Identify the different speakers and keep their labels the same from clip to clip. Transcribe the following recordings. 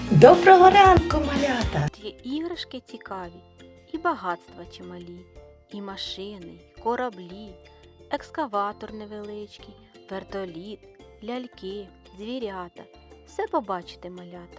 Speaker 1: Доброго ранку, малята!
Speaker 2: Є іграшки цікаві, і багатства чималі, і машини, і кораблі, екскаватор невеличкий, вертоліт, ляльки, звірята. Все побачите, малята.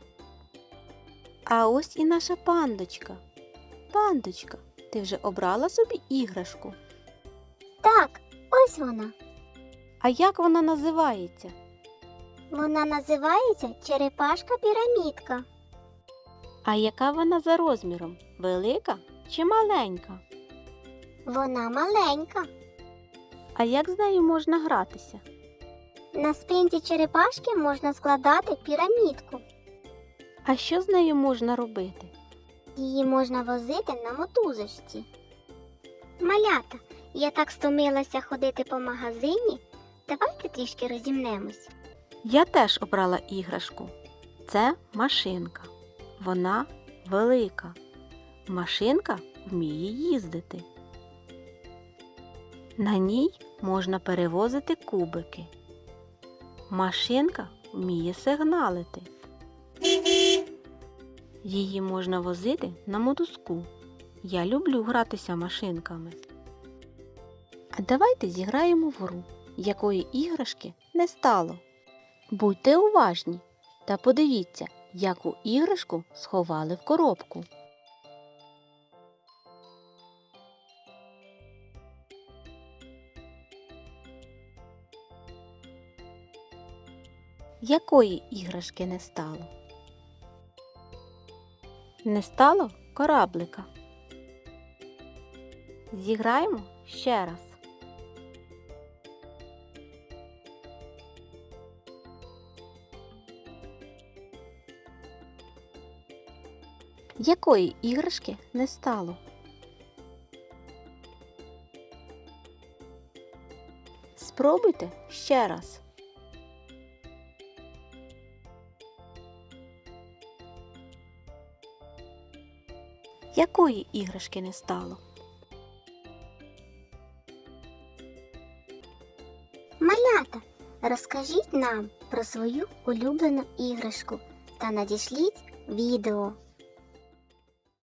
Speaker 2: А ось і наша пандочка. Пандочка, ти вже обрала собі іграшку?
Speaker 3: Так, ось вона.
Speaker 2: А як вона називається?
Speaker 3: Вона називається черепашка-пірамідка.
Speaker 2: А яка вона за розміром? Велика чи маленька?
Speaker 3: Вона маленька.
Speaker 2: А як з нею можна гратися?
Speaker 3: На спинці черепашки можна складати пірамідку.
Speaker 2: А що з нею можна робити?
Speaker 3: Її можна возити на мотузочці. Малята, я так стомилася ходити по магазині. Давайте трішки розімнемось.
Speaker 2: Я теж обрала іграшку. Це машинка. Вона велика. Машинка вміє їздити. На ній можна перевозити кубики. Машинка вміє сигналити. Її можна возити на мотузку. Я люблю гратися машинками. А давайте зіграємо в гру, якої іграшки не стало. Будьте уважні та подивіться, яку іграшку сховали в коробку. Якої іграшки не стало? Не стало кораблика. Зіграємо ще раз. Якої іграшки не стало? Спробуйте ще раз. Якої іграшки не стало?
Speaker 3: Малята, розкажіть нам про свою улюблену іграшку та надішліть відео.